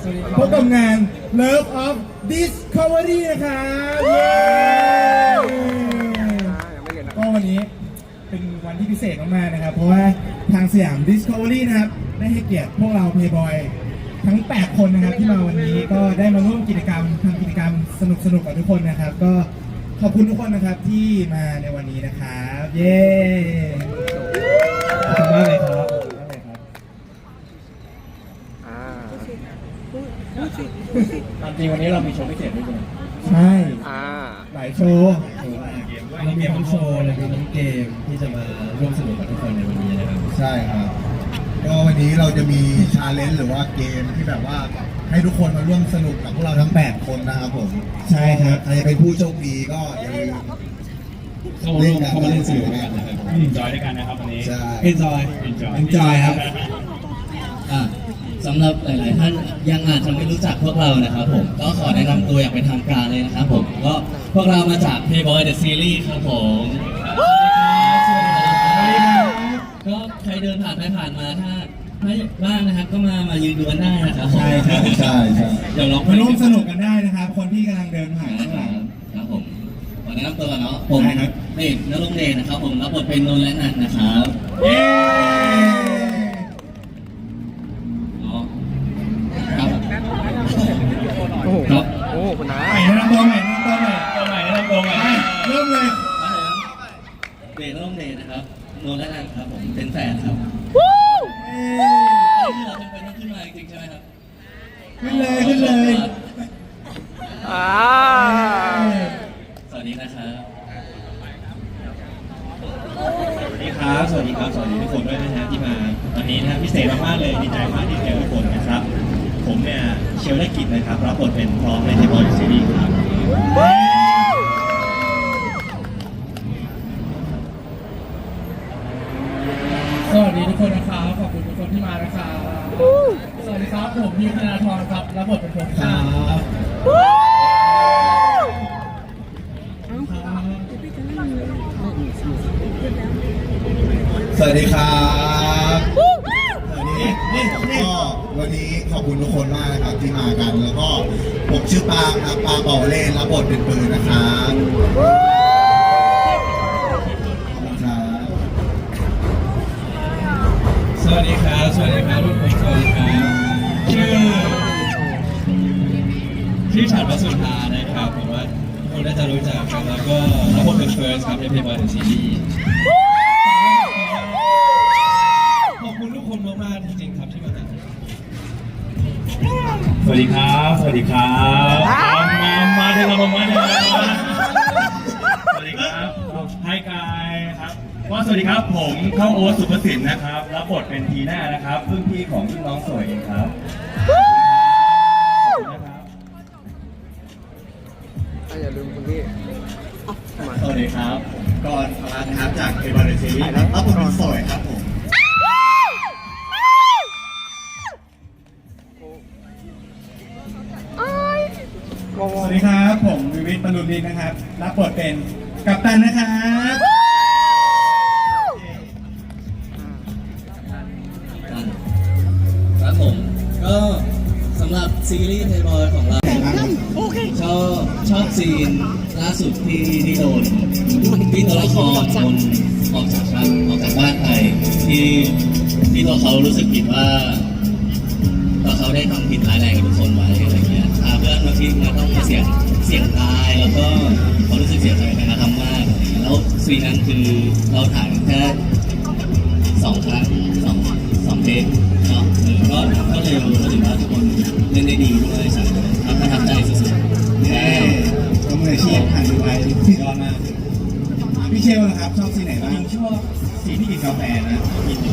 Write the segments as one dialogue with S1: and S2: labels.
S1: พบกับงาน Love of Discovery นะครับเย้ก็วันนี้เป็นวันที่พิเศษมากๆนะครับเพราะว่าทางสยาม Discovery นะครับได้ให้เกียรติพวกเรา Playboy ทั้ง 8 คนนะครับที่มาวันนี้ก็ได้มาร่วมกิจกรรมทำกิจกรรมสนุกๆกับทุกคนนะครับก็ขอบคุณทุกคนนะครับที่มาในวันนี้นะครับเย้ขอบคุณมากเลยครับตามจริงวันนี้เรามีโชว์พิเศษด้วยกันใช่หลายโชว์เรามีทั้งโชว์และมีทั้งเกมที่จะมาร่วมสนุกกับทุกคนในวันนี้นะครับ
S2: ใช่ครับก็วันนี้เราจะมีชาเลนจ์หรือว่าเกมที่แบบว่าให้ทุกคนมาร่วมสนุกกับพวกเราทั้ง 8 คนนะครับผม
S1: ใช่ครับ
S2: ใครจะเป็นผู้โชคดีก็อย่าลืม
S3: เล่นกันเข้ามาเล่นสนุกกันนะครับเอนจอยด้วยกันนะครับวันนี้
S1: เอนจอยครับ
S4: สำหรับหลายๆท่านยังอาจจะไม่รู้จักพวกเรานะครับผมก็ขอแนะนำตัวอย่างเป็นทางการเลยนะครับผมก็พวกเรามาจาก Playboy The Series ครับผมก็ใครเดินผ่านไปผ่านมาถ้าว่างนะครับก็มายืนดูกันได้นะครับ
S1: ใช่ครับ
S2: ใช่
S4: เดี๋ยวลอง
S1: มาร่วมสนุกกันได้นะครับคนที่กำลังเดินผ่าน
S4: ครับผมขอแนะนำตัวก่อนเนาะผมนี่นรงเดชนะครับผมรับบทเป็นนนท์และนันนะครับ
S1: เย้
S4: ครับ
S3: โอ้คุณน้า
S1: ใหม่นะตัวใหม่เริ่มเลย
S4: เดชนรงเดชนะครับนนท์และนันครับผมเป็นแฟนครับเราจำเป็นต้องขึ้นมาจริงใช่ไหมครับ
S1: ขึ้นเลย
S4: สวัสดีนะครับ
S3: สวัสดีครับสวัสดีทุกคนด้วยนะฮะที่มาวันนี้นะพิเศษมากๆเลยดีใจมากที่เจอทุกคนนะครับผมเนี่ยเชลล์กิจนะครับรับบทเป็นพร้อมในเทปบอลซีรีส์ครับ
S1: สวัสดีทุกคนนะครับขอบคุณทุกคนที่มานะครับสวัสดีครับผมพิมพ์ธนาธรครับรับบทเป็นผมครับ
S2: สวัสดีครับก็วันนี้ขอบคุณทุกคนมากนะครับที่มากันแล้วก็ผมชื่อปาล์มครับปาล์มเป่าเล่นรับบทเป็นปืนนะครับ
S3: สวัสดีครับทุกคนสวัสดีครับชื่อฉัตรวสุธานะครับผมว่าทุกคนน่าจะรู้จักกันแล้วก็รับบทเป็นเฟิร์สครับในเพลย์บอยเดอะซีรีส์ขอบคุณทุกคนมากๆจริงๆครับที่มาสวัสดีครับมาเถอะครับผมมาเถอะสวัสดีครับไฮกายครับสวัสดีครับผมเข้าโอ๊ตสุภสินนะครับรับบทเป็นทีน่านะครับเพิ่งพี่ของพี่น้องสวยเองครับ
S5: อย่าลืมคุณพี่
S2: สวัสดีครับก่อนพลานะครับจากเอเวอร์เรสต์ซีรีส์รับบทเป็นสวยครับผม
S1: สวัสดีครับผมวิวิทย์บรรลุนินนะครับรับบทเป็นกัปตันนะครับ
S4: ครับผมก็สำหรับซีรีส์ Playboy ของเราชอบซีนล่าสุดที่โดนที่ตัวละครออกจากบ้านไปที่ตัวเขารู้สึกผิดว่าตัวเขาได้ทำผิดร้ายแรงกับทุกคนไว้อะไรเงี้ยเพื่อนบางทีมันต้องมาเสี่ยงตายแล้วก็เขารู้สึกเสียใจในการทำมากแล้วซีนนั้นคือเราถ่ายแค่2 ครั้ง2 เทปเนาะก็เร็วก็ถือว่าทุกคนเล่นได้ดีด้วยสักประทับใจสุดๆ
S1: ก็มืออาชีพผ่านไปสุดยอดมากพี่เชลนะครับชอบซีนไหนบ้าง
S3: ชอบซีนที่กินกาแฟนะกินอยู่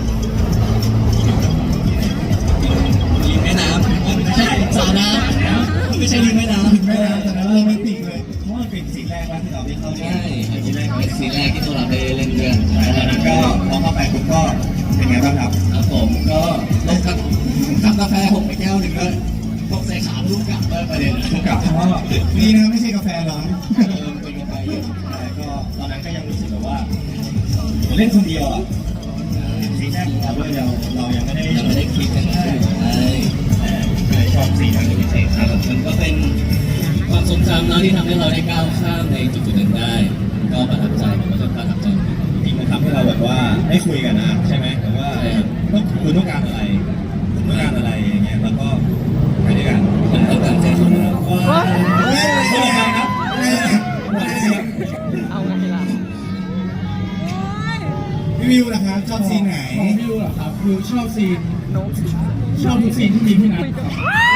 S4: ริมแม่น้ำไม่ใช่สระน้ำไม่ใช่ริมแม่น้ำ
S1: แต่นั้นโรแมนติกเลย
S3: เพราะมันเป็นซีนแรกที่เราได้เข้า
S4: ใช่ซีนแรกที่ตัวเราได้เล่นด้วย
S3: ตอนนั้นก็พอเข้าไปคุณก็เป็นไงบ้างครับ
S4: ผมก็ลงกับกาแฟ6 ไปแก้วหนึ่งด้วยตกใส่ขาลูกกลับประเด็น
S3: ลูกกลับเพราะ
S1: นี่นะไม่ใช่กาแฟร้อน
S3: เป็นกาแฟเย็นก็ตอนนั้นก็ยังรู้สึกแบบว่าเล่นคนเดียวอ่ะซีนแรกของเราด้วยเรายังไม่ได้
S4: คิดกันได้
S3: ชอบ
S4: ครั้งที่พิเศษครับมันก็เป็นความทรงจำเนาะที่ทำให้เราได้ก้าวข้ามในจุดๆนั้นได้ ก็ประทับใจผมก็จะประทับใจจริงๆมันทำให้เราแบบว่าได้คุยกันนะใช่ไหมแต่ว่าคุณต้องการอะไรผมต้องการอะไรอย่างเงี้ยแล้วก็ไปด้วยกันผมต้องการใจคุณนะครับก็เลยครับ
S5: เอาไงล่ะ
S1: พี่วิวนะครับชอบซีนไหน
S6: ของวิวเหรอครับวิวชอบซีน
S5: โน้ต
S6: ชอบทุกซีนที่มีพี่นัทครับ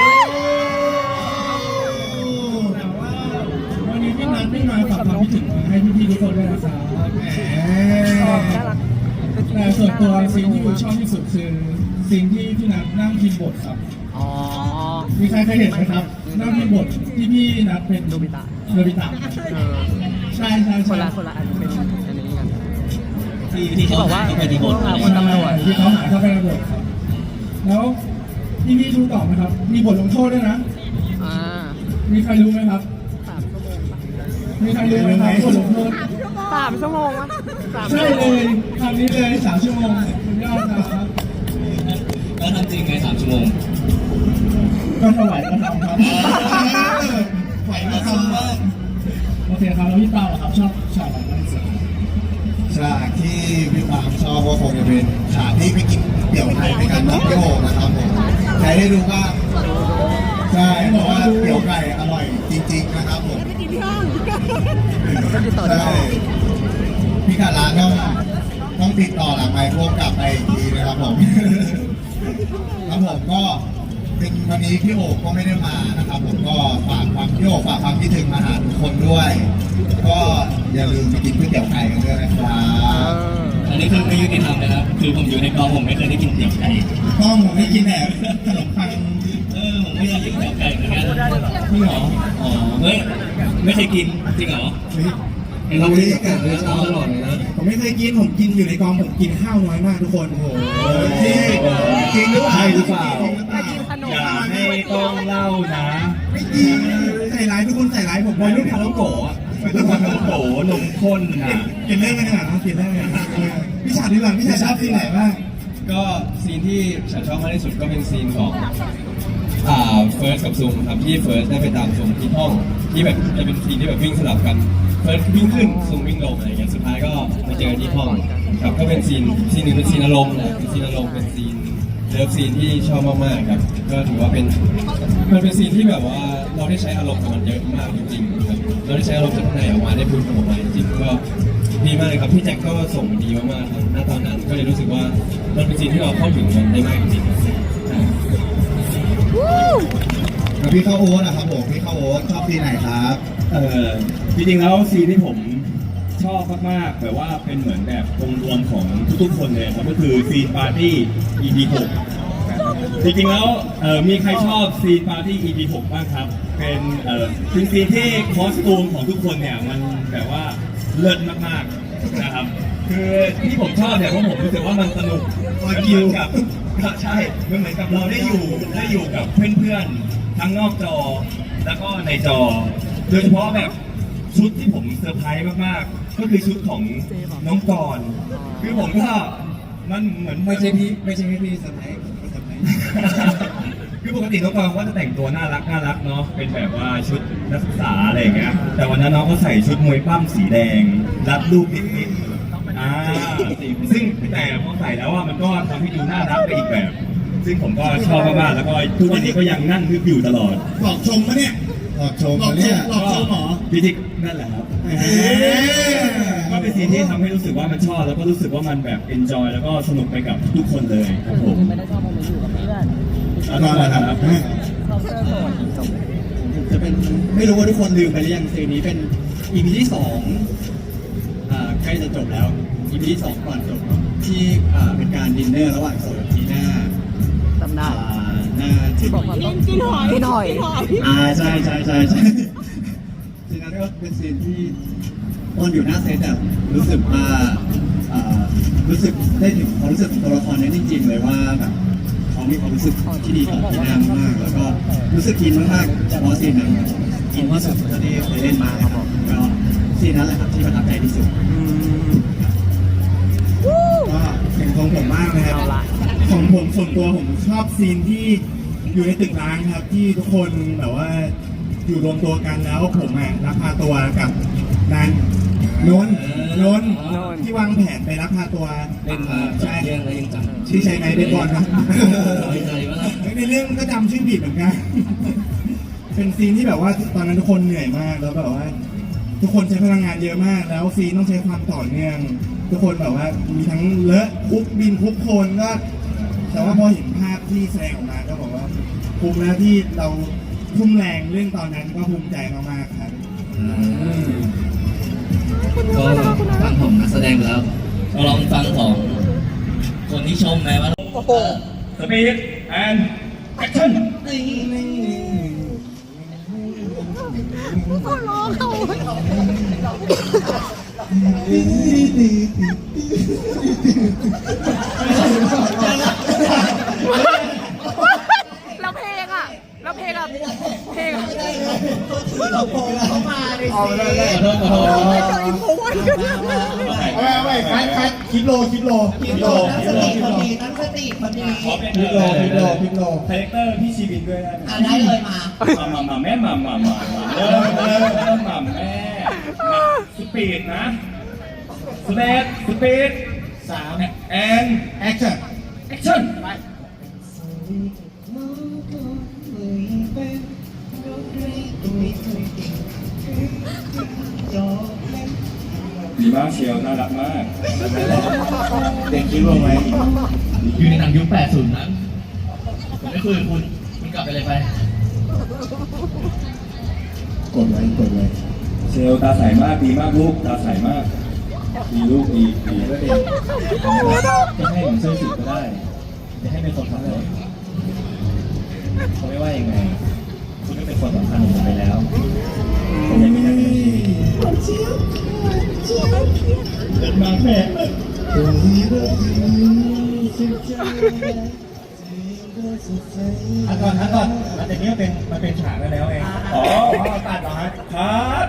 S6: แต่ว่าวันนี้พี่นัทไม่มาฝากความคิดถึงมาให้พี่ๆทุกคนด้วยนะครับ
S5: น่ารัก
S6: แต่ส่วนตัวซีนที่วิวชอบที่สุดคือซีนที่พี่นัทนั่งพิมพ์บทครับ
S5: อ๋อ
S6: มีใครเคยเห็นไหมครับนั่งพิมพ์บทที่พี่นัทเป็น
S5: โนบิตะ
S6: โนบิตะ
S5: เออ
S6: ใช่ใช่
S5: คน
S6: ใช่
S5: ละคนละอันเป็นอันนี้กัน
S4: ที่เขา
S5: บอกว่า
S4: ที่ไปที่บท
S5: คนตำรวจ
S6: ที่เขาหาเข้าไปในบทครับ แล้วพี่ดูต่อไหมครับ มีบทลงโทษด้วยนะ
S5: อ่า
S6: มีใครรู้ไหมครับ
S5: 3 ชั่วโมงปะ
S6: มีใครรู้ไหมครับบทลงโทษ
S5: 3 ชั่วโมงวะ3
S6: ใช่เลยคำนี้เลย3 ชั่วโมงคุณยอดครับ
S4: ก็ทำจริงใน3 ชั่วโมง
S6: ก็ถวายก็ทำครับ
S2: ไหวมาทำบ้าง
S6: โอเคครับแล้วพี่เปาอะครับชอบฉากไหนมากที่สุด
S2: ฉากที่พี่ปาล์มชอบก็คงจะเป็นฉากที่ไปกินเตี๋ยวไข่ด้วยกันกับพี่โอ่งนะครับผมใครได้ดูบ้างใช่บอกว่าเตี๋ยวไก่อร่อยจริงๆนะครับผม
S5: ก็ติดต่อได้
S2: ใช่พี่ขาร้านต้องติดต่อหลังไมค์พวกกลับไปอีกทีนะครับผมครับผมก็เป็นวันนี้พี่โอ่งก็ไม่ได้มานะครับผมก็ฝากความพี่โอ่งฝากความคิดถึงมาหาทุกคนด้วย ก็อย่าลืมไปกินก๋วยเตี๋ยวไก่กันด้วยนะครับ
S4: อันนี้คือไม่ยุติธรรมนะครับ คือผมอยู่ในกองผมไม่เคยได้กินเตี๋ยวไก่
S2: ต้องผมไม่กินแบบขนมปัง
S4: ผมไม่เคยกินเตี๋ยวไก่เหมือนกัน
S6: พี่เหรอ
S4: อ๋อเฮ้ยไม่เคยกินจริงเหรอเราไม่ได้กินเลยชอบตลอดเลยนะ
S1: ผมไม่เคยกินผมกินอยู่ในกองผมกินข้าวน้อยมากทุกคนโอ้โห
S2: จริงหรือเปล่า
S3: ใช่หรือเปล่า
S1: จริงหรือเปล่า
S3: อย่าให้ต้องเล่านะ
S1: ไม่จริงใส่ร้ายทุกคนใส่ร้ายผมวัยรุ่นคาราโกะ
S3: มันโตนมข้นนะ
S1: กินเรื่องกันขนาดนั้นกินเรื่องกันพี่ชาดีกว่าพี่ชาชอบซีนไหนบ้าง
S7: ก็ซีนที่ฉันชอบมากที่สุดก็เป็นซีนของเฟิร์สกับซูมครับที่เฟิร์สได้ไปตามซูมที่ห้องที่แบบจะเป็นซีนที่แบบวิ่งสลับกันเฟิร์สวิ่งขึ้นซูมวิ่งลงอะไรอย่างเงี้ยสุดท้ายก็มาเจอที่ห้องครับก็เป็นซีนหนึ่งเป็นซีนอารมณ์นะเป็นซีนอารมณ์เป็นซีนเลิฟซีนที่ชอบมากๆครับก็ถือว่าเป็นมันเป็นซีนที่แบบว่าเราได้ใช้อารมณ์กับมันเยอะมากจริงๆครับเราได้ใช้อารมณ์จากข้างในออกมาได้พูดออกมาจริงๆก็ดีมากเลยครับพี่แจ็คก็ส่งดีมากๆครับณตอนนั้นก็เลยรู้สึกว่ามันเป็นซีนที่เราเข้าถึงมันได้มากจริงๆ
S2: แล้วพี่ข้าวโอ๊ตนะครับผมพี่ข้าวโอ๊ตชอบซีนไหนครับ
S3: จริงๆแล้วซีนที่ผมชอบมากๆแบบว่าเป็นเหมือนแบบองค์รวมของทุกๆคนเลยครับก็คือซีนปาร์ตี้ EP 6จริงๆแล้วมีใครชอบซีนปาร์ตี้ EP 6บ้างครับเป็นซีนที่คอสตูมของทุกคนเนี่ยมันแบบว่าเลิศมากๆนะครับคือที่ผมชอบเนี่ยเพราะผมรู้สึกว่ามันสนุกมันกิวกับใช่มันเหมือนกับเราได้อยู่กับเพื่อนๆทั้งนอกจอแล้วก็ในจอ โดยเฉพาะแบบชุดที่ผมเซอร์ไพรส์มากๆ ก็คือชุดของน้องกรณ์คือผมก็มันเหมือนไม่ใช่พี่เซอร์ไพรส์คือปกติน้องกรณ์ก็จะแต่งตัวน่ารักเนาะเป็นแบบว่าชุดนักศึกษาอะไรอย่างเงี้ยแต่วันนั้นน้องก็ใส่ชุดมวยปั้มสีแดงรัดรูปนิดๆซึ่งแต่พอใส่แล้วว่ามันก็ทำให้ดูน่ารักไปอีกแบบ ซึ่งผมก็ชอบมากๆแล้วก็ทุกวันนี้ก็ยังนั่งนึกอยู่ตลอด
S1: หลอกชมปะเนี่ย
S2: หลอกชมมาเนี่ย
S1: หลอกชมเหรอ
S3: พิธีนั่นแหละครับก็เป็นซีนที่ทำให้รู้สึกว่ามันชอบแล้วก็รู้สึกว่ามันแบบเอนจอยแล้วก็สนุกไปกับทุกคนเลยครับผม
S5: ไม่ได้ชอบโมเมนต์อยู่กับเพื่อน
S3: แล้วก็นะครับ
S5: ชอบเสื้อโสดจบ
S8: จะเป็นไม่รู้ว่าทุกคนลืมไปหรือยังซีนนี้เป็น EP ที่2ใกล้จะจบแล้ว EP ที่2ก่อนจบเนอะที่เป็นการดินเนอร์ระหว่างโซกับทีน่า
S5: จำได้
S8: หน้าที่
S5: บอกว่าต้องกินหอยกินหอย
S8: ใช่ซีนนั้นก็เป็นซีนที่ตอนอยู่หน้าเซตอะรู้สึกว่ารู้สึกได้ถึงความรู้สึกของตัวละครนั้นจริงๆเลยว่าแบบเขามีความรู้สึกที่ดีต่อทีน่ามากแล้วก็รู้สึกอินมากๆเฉพาะซีนนั้นอินที่สุดเท่าที่เคยเล่นมาครับผมก็ซีนนั้นแหละครับที่ประทับใจที่สุด
S1: ก็เป็นของผมมากนะครับ
S5: เอาละ
S1: ของผมส่วนตัวผมชอบซีนที่อยู่ในตึกร้างครับที่ทุกคนแบบว่าอยู่รวมตัวกันแล้วผมลักพาตัวกับนันนนที่วางแผนไปลักพาตัว
S4: เล่นมา
S1: ใช่
S4: เรื่องอะไรยังจำ
S1: ชื่อใช่ไหมเบสบอลนะ
S4: ไม่ใจว่า
S1: ในเรื่องก็จำชื่อผิดเหมือนกัน เป็นซีนที่แบบว่าตอนนั้นทุกคนเหนื่อยมากแล้วแบบว่า ทุกคนใช้พลังงานเยอะมาก แล้วซีนต้องใช้ความต่อเนื่อง ทุกคนแบบว่ามีทั้งเลอะคุกบินคุกโคลนก็ แต่ว่าพอเห็นภาพที่แสดงออกมาก็บอกว่าภูมิแล้วที่เราทุ่มแรงเรื่องตอนนั้นก็ภูมิใจมากๆครับ
S4: ก็ฟังของนักแสดงไปแล้วลองฟังของคนที่ชมไหมว่า
S3: สปีดแอนแอคชั่น
S5: ร้องเขาแล้วเพลงอ่ะแล้วเพลงอ่ะเพลงอ่ะ
S4: ขอโทษ
S1: ไม่คัดคิดโล
S3: พาแรคเตอร์พี่ชีวินด้วยนะได้เลยมาแม่มาเริ่มมาแม่สปีดนะสปีด3แอนแอคชั่นดีมากเชียวน่ารักมากเด็กคิดว่าไหม
S4: อยู่ในหนังยุค 80 นะผมไม่คุยกับคุณกลับไปเลยไป
S1: กดไว้
S3: เชลตาใสมากดีมากลูกตาใสมากดีลูกดีก็ดีจะให้ผมช่วยสืบก็ได้จะให้เป็นคนทำเลยเขาไม่ว่ายังไงคุณก็เป็นคนสำคัญของผมไปแล้วผมยังมีหน้าที่เป็นมาแม่ก่อนมันจะนี้มันเป็นฉากแล้วเองอ๋อตัดเหรอฮะครับ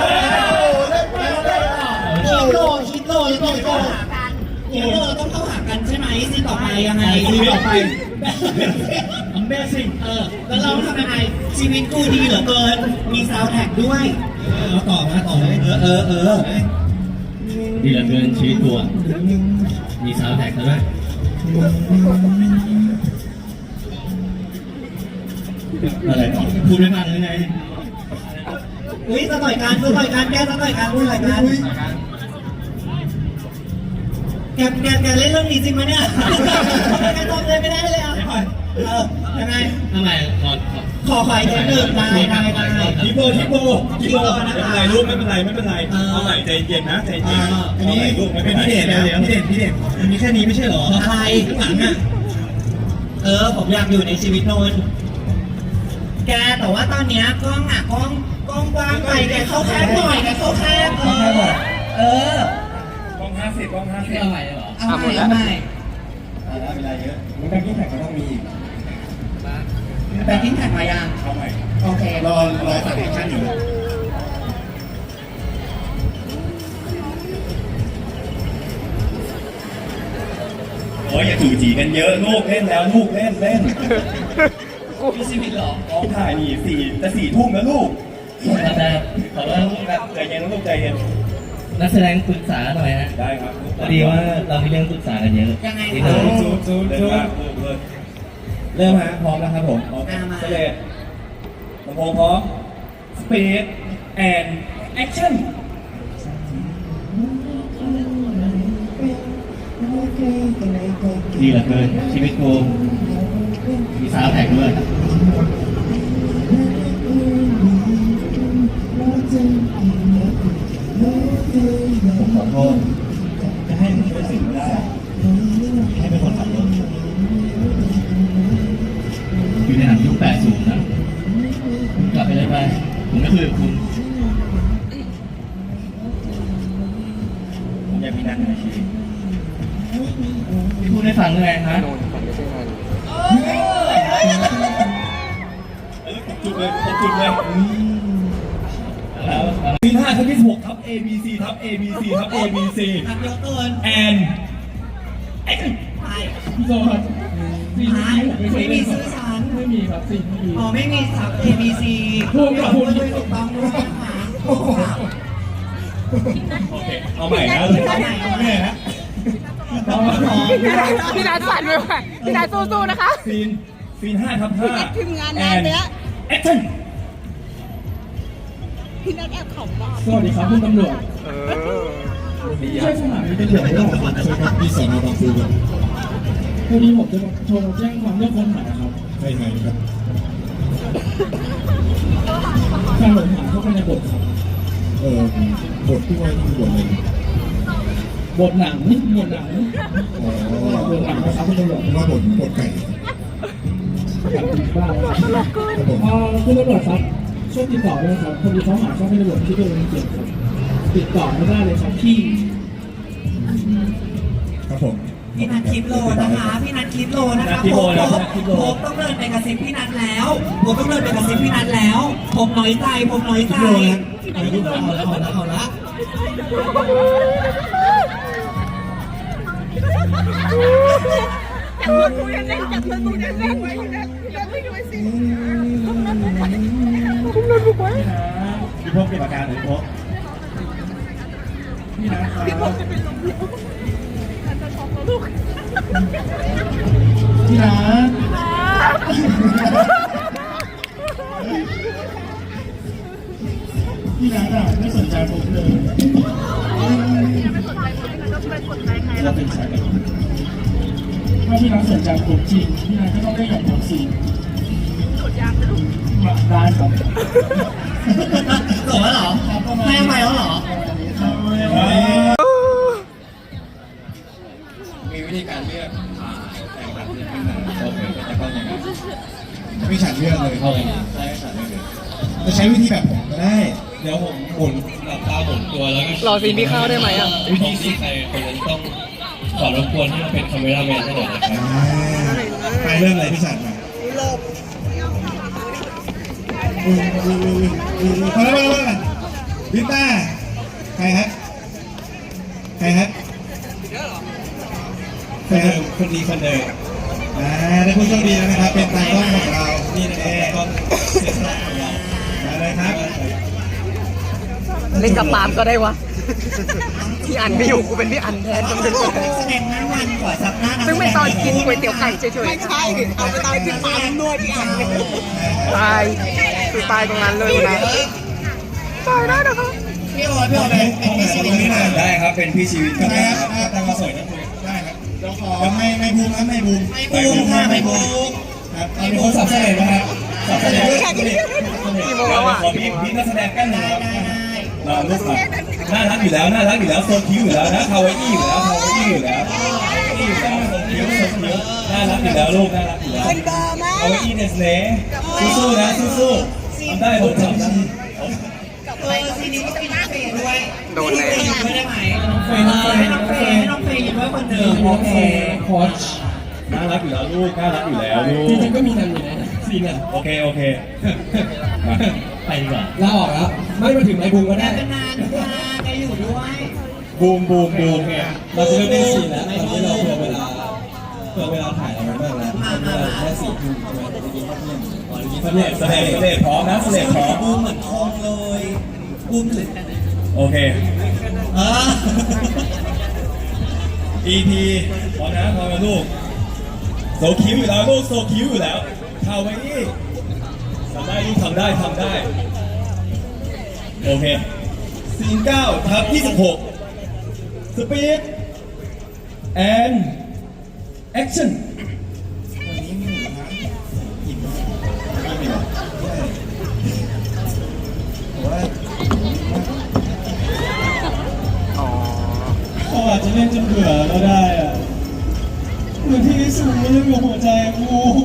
S9: คิดโลต้องเข้าหากันใช่ไหมซีต่อไปยังไง
S3: ซีต่อไปAmazing
S9: แล้วเราทำยังไงชีวิตกูดีเหลือเกินมีซาวด์แท็กด้วย
S3: เราต่อเลย
S4: ดีเหลือเกินชีวิตตัวมีซาวด์แท็กแล้วด้วยอะไรต่อพูดไม่มากเลยไง
S9: อุ้ยสต่อยการแกสต่อยการแกเล่นเรื่องนี้จริงไหมเนี่ยแกจำเลยไม่ได้เลยอ่ะยังไง
S4: ทำไม
S9: ขออีกนิดนึงได้
S3: ทิปโบไม่เป็นไรลูกไม่เป็นไรเอาใหม่ใจเย็นนะใจเย็นอันนี้ลูกไม่เป็นพี่เด่นมันมีแค่นี้ไม่ใช่หรอ
S9: อะไรหลังอ่ะผมอยากอยู่ในชีวิตโนนแกแต่ว่าตอนเนี้ยกล้องกว้างไปแกเข้าแคบหน่อยกล้อง50
S4: เอาใหม่เหรอ
S9: เอาใหม่
S3: ได้เวลาเยอะมันการกิ้งแท็กก็ต้องมีอีก
S9: แบงกิ้งแท็กมายัง
S3: เอาใหม่
S9: โอเค
S3: รอสั่งแอคชั่นอยู่โอ้ยอย่าจู่จีกันเยอะลูกเล่นแล้วลูกเล่น
S9: มีชีวิตหรอ
S3: ถ่ายนี่4 ทุ่มนะลูก
S4: แต่ขอเริ่มแบบ
S3: ใจเย็นลูกใจเย็น
S4: นักแสดงปรึกษาหน่อยฮะ
S3: ได้ครับ
S4: พอดีว่าเรามีเรื่องปรึกษากันเยอะ
S9: ยังไง
S3: จูเริ่มฮะพร้อมแล้วครับผมเสร็จลำโพงพร้อมสปีดแอนแอคชั่น
S4: ดีเหลือเกินชีวิตกูมีซาวด์แท็กด้วย
S3: ผมขอโทษจะให้มึงช่วยสิ่งไม่ได้ให้เป็นคนขับรถ
S4: อยู่ในหนังยุค 80 นะกลับไปเลยไปผมไม่คุยกับคุณ
S3: ผมอยากมีนักในชีวิต
S4: พี่พูดให้ฟังเลยฮะ
S3: จุดเลยปี5ทับ26ทับ ABC ทับ ABC ทับ ABC
S9: ทำเยอะเกิน
S3: แอน
S9: ไป
S3: พี่โซ่ครับ
S9: ไม่มีซื้อสายนั้น
S6: ไม่มีครับซีนไม่มี
S9: อ๋อไม่มีซับ A B C
S6: พูดกับพูด
S9: ด้วยถูกต้องด้วยนะคะ
S3: โอเคเอาใหม่นะ
S1: แม่นะ
S5: พี่นัทสั่นไปว่ะพี่นัทสู้ๆนะคะ
S3: ซีน5/5
S5: ทีมงานงานเนี้ย
S3: แอคชั่น
S5: พี่นัทแอบขำมาก
S6: สวัสดีครับคุณตำรวจใช่สถานีตำรวจหรือเปล่าครับ
S2: ใช่ครับที่สอนอบางปูครับ
S6: พอดีผมจะโทรแจ้งความเรื่องคนหายครับ
S2: ใช่ไหมครับ
S6: การหลงหายเข้าไปในบทครับ
S2: บทที่ว่าที่บทเลย
S6: บทหนังบทหนัง
S2: อ๋อบ
S6: ทหนังนะครับคุณตำรวจ
S2: ว่าบทไก่
S6: อยากติดบ้าง
S2: ครับผม
S6: คุณตำรวจครับช่วยติดต่อด้วยครับพอดีเขาหาช่องให้ตำรวจที่ตัวเองเจ็บครับติดต่อไม่ได้เลยครับที่
S2: ครับผม
S9: พี่นัทคลิปโลนะคะพี่นัทคลิปโลนะคะผมต้องเดินไปกระซิบพี่นัทแล้วผมต้องเดินไปกระซิบพี่นัทแล้ว ผมน้อยใจผมน้อยใจเอาละ
S5: จับมือกูยังเล่นจับมือกูยังเล่นไว้พี่นัทไม่ดูสิคุณนัทบุกไว้คุณนัทบุกไว้
S1: พี่พกเก็บอาการหรือพก
S6: พี่นะครับ
S5: พี่พกจะเป็นลมแล้วนัทจะช็อกแล้วลูก
S6: พี่นะ พี่นัทอะไม่สนใจผมเลย
S5: ไม่สนใจคนที่นัทจะไปสนใจใคร
S6: เราเป็นสายกันถ้าพี่นัทสนใจผมจริงพี่นัทก็ต้องได้หยอดวัคซีน
S5: กดยางไปลูก
S6: ได้ครับ
S9: หรอเหรอให้อภัยแล้วเหรอ
S7: มีวิธีการเลือกแต่งแบบนี้ขึ้นมาโอเคจะเข้ายังไง
S2: ไม่ฉันเลือกเลย
S7: เข้ายังไงใช่ฉันไม่เลย
S2: จะใช้วิธีแบบผมก็ได้
S7: เดี๋ยวผมหมุนหลับตาหมุนตัวแล้วก็
S5: รอซีนพี่เข้าได้ไหมอ่ะ
S7: วิธีที่ใครคนนั้นต้องขอรบกวนที่เราเป็นคาเมราแมนให้หน่อยนะครับ
S2: ไปเรื่องอะไรพี่ฉันมาพอแล้วลิต้าใครฮะใครฮะใครฮะ
S7: คนดีคนเดิม
S2: ได้ผู้โชคดีแล้วนะครับ เป็นตากล้องของเรา
S7: นี่นะครับก็เสียสละของเรา
S2: มาเลยครับ
S5: เล่นกับปาล์มก็ได้วะพี่อันไม่อยู่กูเป็นพี่อันแทนจำเป็น
S9: แสดงหน้าวันกว่าซับหน้า
S5: ซึ่งเป็นตอนกินก๋วยเตี๋ยวไก่เฉยๆไม่ใช่เอาไปตอนกินปาล์มนวดพี่อันตายคือตายตรงนั้นเลยนะตายได้นะคะ
S9: พี่โอ๊ตเป็นพี่ชีวิตนี่นะ
S7: ได้ครับเป็นพี่ชีวิตก็ได้ครับแต่มาสวยนะคุณ
S2: ได้ครับเราขอไม่บูมครับไม่บูม
S9: ไม่บูมค่ะไม่บูม
S2: ครับมีคนสับเสน่ห์นะครับสับเสน่ห์
S5: กี่โมงแล้วอ่ะ
S3: ขอพี่นักแสดงกันหน่อยครับ
S9: ได้
S3: รอลูกครับน่ารักอยู่แล้วน่ารักอยู่แล้วโซคิ้วอยู่แล้วนะคาวาอี้อยู่แล้วคาวาอี้อยู่แล้วนี่อยู่แล้วโซคิ้วน่ารักอยู่แล้วลูกน่ารักอยู่แล้วคาวาอี้เนสเล่สู้ๆนะสู้ๆทำได้ผมทำได้
S9: ซีนี้ก็เป็นน้องเฟย์ด้วย
S5: โดนเลย
S9: ยืนด้วยได้ไหมให้น้องเฟย์ยืนด้วยคนเดิมโอเค
S6: โคช
S3: น่ารักอยู่แล้วลูกน่ารักอยู่แล้วลู
S6: จ
S3: ก
S6: ริงๆก็มีกันอยู่นะซีนอ่ะ
S3: โอเคมาไปดีกว่า
S6: ลาออกแล้วไม่มาถึงไอ้บูมก็ได้
S9: เป็นนานค่ะแกอยู่ด้วย
S3: บูม
S6: เราจะเริ่มเล่นซีนแล้วตอนนี้เราเผื่อเวลาถ่ายเราไม่มากแล้วเราแค่4 ทุ่มใช่ไหมจะกินข้าวเที่ยงก่อนกินข้าวเที่ยง
S3: เสด็จพร้อมนะเสด็จพร้อม
S9: บูมเหมือนโคงเลยบูมถือ
S3: โอเค EP พร้อมนะพร้อมนะลูกโซคิ้วอยู่แล้วลูกโซคิ้วอยู่แล้วคาวาอี้ทำได้ลูกทำได้โอเคซีน9ทับ26สปีดแอนแอคชั่น
S6: เขาอาจจะเล่นจนเบื่อก็ได้อะเหมือนที่สูงมันยังอยู่หัวใจกู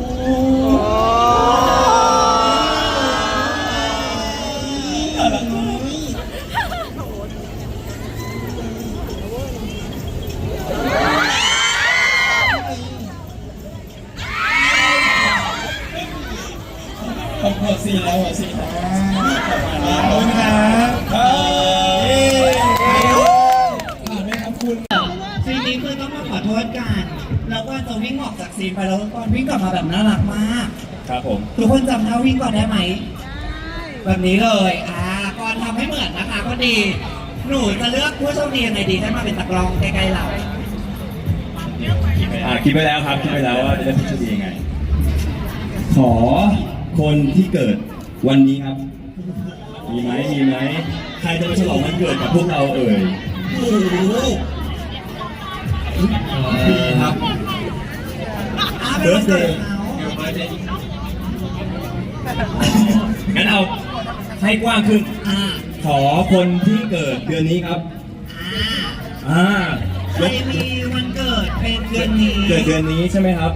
S6: ขอบคุณซีแล้วซีขอบคุณครับผ่านไหมครับคุณ
S9: ซีนนี้คือต้องมาขอโทษกันแล้วก็จะวิ่งออกจากซีนไปแล้วตอนวิ่งกลับมาแบบน่ารักมาก
S3: ครับผม
S9: ทุกคนจำท่าวิ่งก่อนได้ไหมแบบนี้เลยก่อนทำให้เหมือนนะคะก็ดี หนูจะเลือกผู้โชคดียังไงดีให้มาเป็นตะกร้องใกล้ๆเรา
S3: คิดไปแล้วครับคิดไปแล้วว่าจะได้ผู้โชคดียังไง ขอคนที่เกิดวันนี้ครับ มีไหมใครจะมาฉลองวันเกิดกับพวกเราเอ่ย
S9: โอ้โห
S3: มีครับ
S9: เบิร์ดเดย์
S3: งั้นเอาให้กว้างขึ้น ขอคนที่เกิดเดือนนี้ครับ
S9: ใครมีวันเกิดเป็นเดือนนี้
S3: เกิดเดือนนี้ใช่ไหมครับ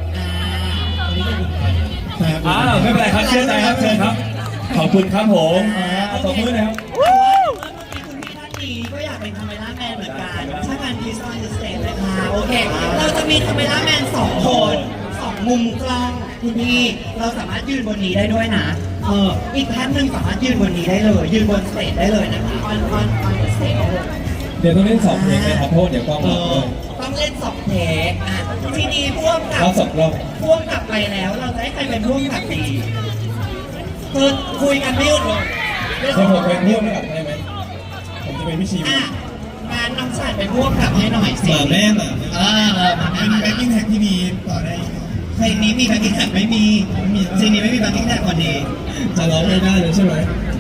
S3: ไม่เป็นไรครับเชื่อใจครับเชิญครับ ขอบคุณครับผมตบมือนะครับ
S9: คุณพี่ท่านนี้ก็อยากเป็นคาเมล่าแมนเหมือนกันถ้าการพีซอนสเตทเลยค่ะโอเค เราจะมีคาเมล่าแมน2 คน2 มุมกล้องคุณพี่เราสามารถยืนบนนี้ได้ด้วยนะอีกท่านหนึ่งสามารถยืนบนนี้ได้เลย ยืนบนสเตจได้เลยนะคะออนสเตจได้เลย
S7: เดี๋ยวต้องเล่น2 เพลงไหมครับเพราะว่าเดี๋ยวกล้องหลับเลย
S9: ต้องเล่น2 เทคทีนี้พ่วงกับ
S7: เอา2 รอบ
S9: พ่วงกับไปแล้วเราจะให้ใครเป็นพ่วงกับดีคือคุยกันไม่หยุดเลย
S7: เดี๋ยวผมไปร่วมกับได้ไหมผมจะเป็นพี่ชีวิต
S9: งานน้ำชาติเป็นพ่วงกับให้หน่อยสิ
S7: หมาแม่หมา
S2: เป็นแบ็คกิ้งแท็กที่ดีต่อได้
S9: เพลงนี้มีแบ็คกิ้งแท็กไม่มีเพลงนี้ไม่มีแบ็คกิ้งแท็กพอดี
S7: จะร้องไม่ได้เลยใช่ไหม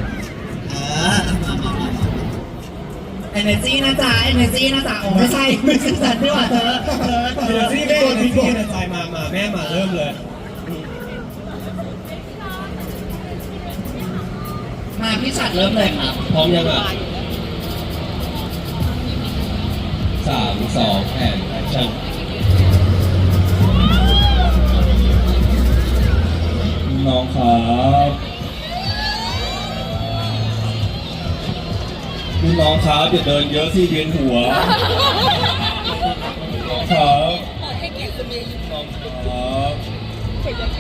S9: Energy นะจ๊ะ Energy นะจ๊ะโอ้ไม่ใช่สัตว์ที่ว่าเธอ
S7: เดี๋ยวที่แม่ที่พี่ในใจมาแม่มาเริ่มเลย
S9: มาพี่ชัดเริ่มเลยครับ
S7: พร้อมยังอ่ะ3 2 แอนแอคชั่นน้องครับพี่น้องครับอย่าเดินเยอะสิเวียนหัวน้องครับน้องครับ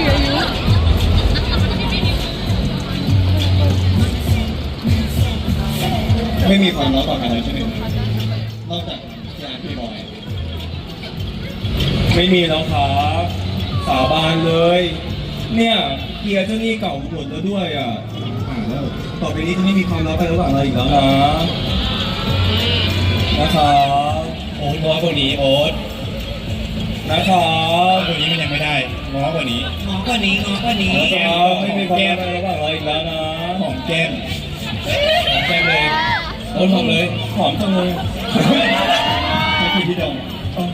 S7: ไม่มีความลับต่อกันเลยใช่ไหมนอกจากงานพี่บอยไม่มีแล้วครับสาบานเลย เนี่ยเกียร์เจ้าหนี้เก่าหมดแล้วด้วยอ่ะแล้วต่อไปนี้จะไม่มีความลับไประหว่างเราอีกแล้วนะนะครับโอ๊ตน้อยกว่านี้โอ๊ตนะครับกว่านี้มันยังไม่ได้น้อยกว่านี้
S9: ง้อกว่านี้
S7: นะครับไม่มีความลับไประหว่างเราอีกแล้วนะหอมแก้มเลยโอ๊ตหอมเลยหอมจังเลยไม่คิดที่ดอง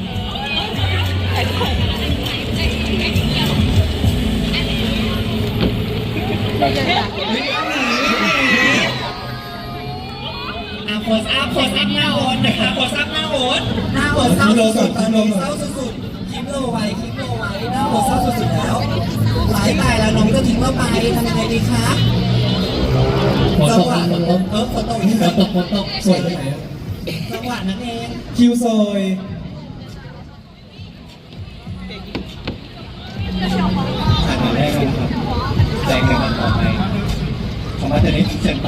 S9: โพสอัพหน้าโอ๊ตนะคะโพสอัพหน้าโอ๊ตเศร้าสุดๆตอนนี้เศร้าสุดๆคลิปโลไว้หน้าโอ๊ตเศร้าสุดๆแล้วหลายตายแล้วน้องจะทิ้งเราไปทำยังไงดีคะจังหวะฝนตก
S7: สวยไปไหน
S9: จังหวะนั้นเอง
S7: คิวซอยถ่ายมาแรกกันครับแจงกันต่อไปขอมาจะนี้เซ็นไป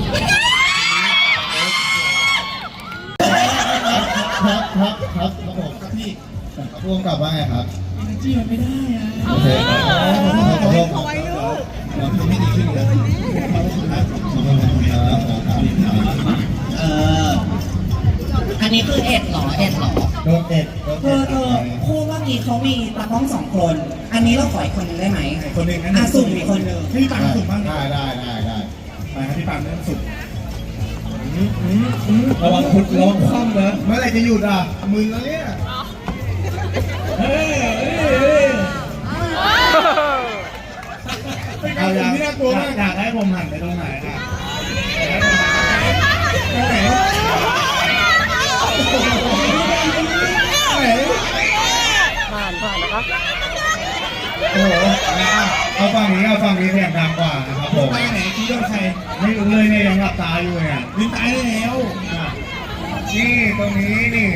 S2: ครับผมครับพี่พ่วงกับว่าไงครับจี้มันไม่ได้อ่ะโอเคขอไว้ลูกเราทำให้ดีขึ้นเลย
S9: อันนี้คือเอ็ดเหรอ
S2: โดนเอ็ด
S9: คู่เมื่อกี้เขามีตากล้อง2 คน อันนี้เราขออีกคนนึงได้ไหม
S1: คนหนึ่งนะ
S9: สุ่มอีกคนนึง
S1: พี่ปังสุ่มบ้าง
S2: ได้
S1: ไปครับพี่ปังเริ่มสุ่ม
S7: ระวังคว่ำนะ
S2: เมื่อไหร่จะหยุดอ่ะมึงแล้วเนี่ย
S1: เอาอย่างที่น่ากลัวมากอยากให้ผมหันไปตรงไหนอ่ะ
S5: ผ่านนะครับ
S1: โอ้โหเอาฝั่งนี้เสียงดังกว่านะครับผมไปไหนคิดว่าใครไม่รู้เลยเนี่ยยังหลับตาอยู่เนี่ยลืมตาได้แล้วนี่ตรงนี้นี่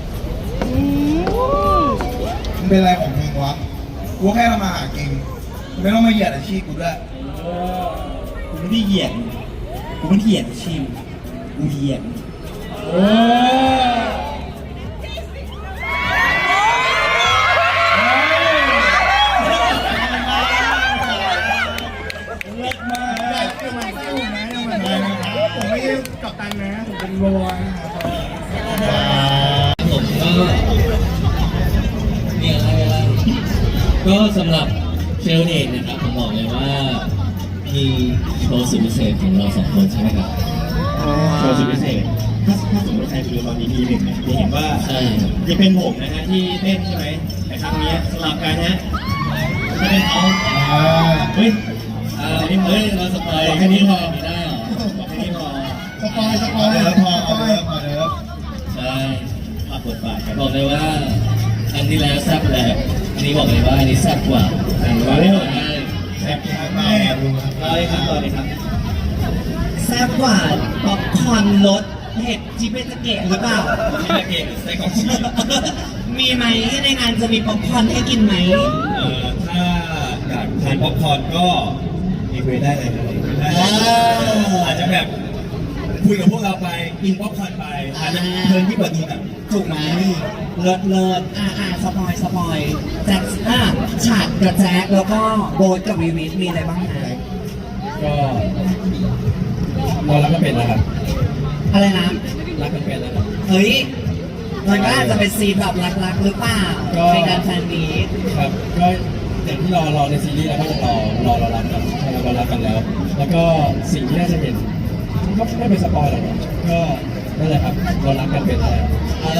S2: มันเป็นอะไรของมึงวะกูแค่ทำมาหากินไม่ต้องมาเหยียดอาชีพกูด้วย
S1: กูไม่ได้เหยียดกูไม่เหยียดชิมกูเหยียดโอ้
S4: ก็สำหรับเชลเดทนะครับผมบอกเลยว่ามีโชว์สุดพิเศษของเราสองคนใช่ไหมครับ
S3: โชว์สุดพิเศษถ้าสมมติใครไปดูตอนนี้ทีหนึ่งเนี่ยจะเห็นว่า
S4: ใช่
S3: จะเป็นผมนะฮะที่เต้นใช่ไหมแต่ครั้งนี้สลับกันนะจะเป็นเขาเฮ้ยเฮ้ยเราสปอยแค่นี้พอไม่ได้หรอบอกแค่นี้พอ
S2: สปอยเดี๋ยวพอเดี๋ยว
S4: ใช่
S3: ปรับบทบาทกัน
S4: บอกเลยว่าอันที่แล้วแซ่บแหละอันนี้บอกเลยว่าอันนี้แซ่บกว่าอันนี้ว่าได้
S3: แซ่บมากรอเลยครับรอเลยครับ
S9: แซ่บกว่าป๊อปคอร์นรสเผ็ดจิเปสเกะหรือเปล่า
S3: ที่ตะเกียบใส่กล่องชีส
S9: มีไหมในงานจะมีป๊อปคอร์นให้กินไหม
S3: ถ้าอยากทานป๊อปคอร์นก็มีคุยได้เลยอาจจะแบบคุยกับพวกเราไปกินป๊อปคอร์นไปอาจจะเพลินที่กว่านี้แบบ
S9: ถูกไหมเลิศสปอยแจ็คฉาดกับแจ็คแล้วก็โบ๊ทกับวีวิทมีอะไรบ้างนะ
S7: ก็เรารักกันเป็นแล้วครับ
S9: อะไรนะ
S7: รักกันเป็นแล้วครับ
S9: เฮ้ยมันก็อาจจะเป็นซีนแบบรักๆหรือเปล่าในการแฟนมีต
S7: ครับก็อย่างที่รอในซีรีส์แล้วก็จะรอเรารักกันใช่เรารักกันแล้ว แล้วก็สิ่งที่น่าจะเห็นก็ไม่เป็นสปอยล์หรอกก็นั่นแหละครับเรารักกันเป็นแล้ว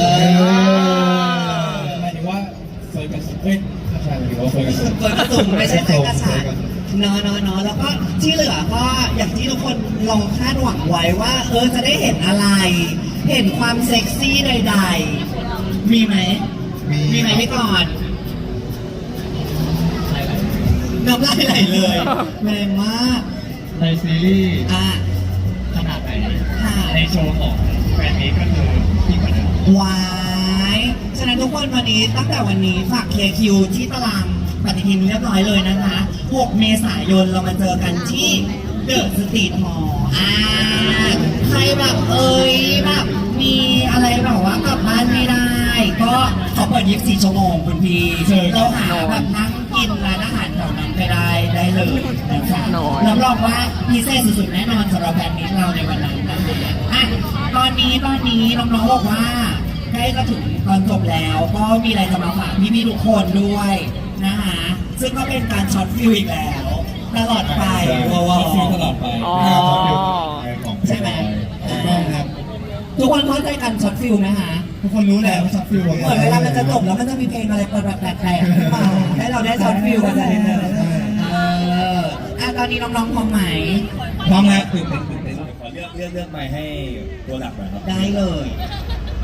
S7: หมายถึงว่าเฟิร์นกับเฮ้ยใช่หมายถึงว่าเฟิร์นกับ
S9: เปิดประตูไม่ใช่แค่กระฉาดเนาะแล้วก็ที่เหลือก็อย่างที่ทุกคนลองคาดหวังไว้ว่าจะได้เห็นอะไร เห็นความเซ็กซี่ใดๆมีไหมพี่ก่อนน้ำลายไหลเลยแรงมาก
S3: ในซีรีส์
S9: ขนาดไหนค่ะ
S3: ในโชว์ของแฟนนี้ก็คือยิ่งกว่าเดิม
S9: วายฉะนั้นทุกคนวันนี้ตั้งแต่วันนี้ฝากเคลียร์คิวที่ตารางปฏิทินเรียบร้อยเลยนะคะ 6 เมษายนเรามาเจอกันที่เดอะสตรีทฮอลล์ใครแบบแบบมีอะไรแบบว่ากลับบ้านไม่ได้ ก็เขาเปิด24 ชั่วโมงคุณพี่เราหาแบบนั่งกินร้านอาหารแถวนั้นไปได้เลยนะคะรับรองว่าพิเศษสุดๆแน่นอนสำหรับแฟนมิตรเราในวันนั้นนะคะตอนนี้น้องๆบอกว่าใกล้จะถึงตอนจบแล้วก็มีอะไรจะมาฝากพี่ๆทุกคนด้วยนะคะซึ่งก็เป็นการช็อตฟิลอีกแล้วตลอดไป
S7: ฟิลตลอดไป
S9: ใช่ไหม
S1: ต้องครับ
S9: ทุกคนเข้าใจกันช็อตฟิลนะคะ
S1: ทุกคนรู้แหละว่าช็อตฟิล
S9: เหมือนเวลามันจะจบแล้วมันจะมีเพลงอะไรเปิดแบบแปลกๆขึ้นมาให้เราได้ช็อตฟิลกันเลยตอนนี้น้องๆพร้อมไหม
S1: พร้อมแล้ว
S3: ขอเลือกไมค์ให้ตัวหลักหน่อยครับ
S9: ได้เลย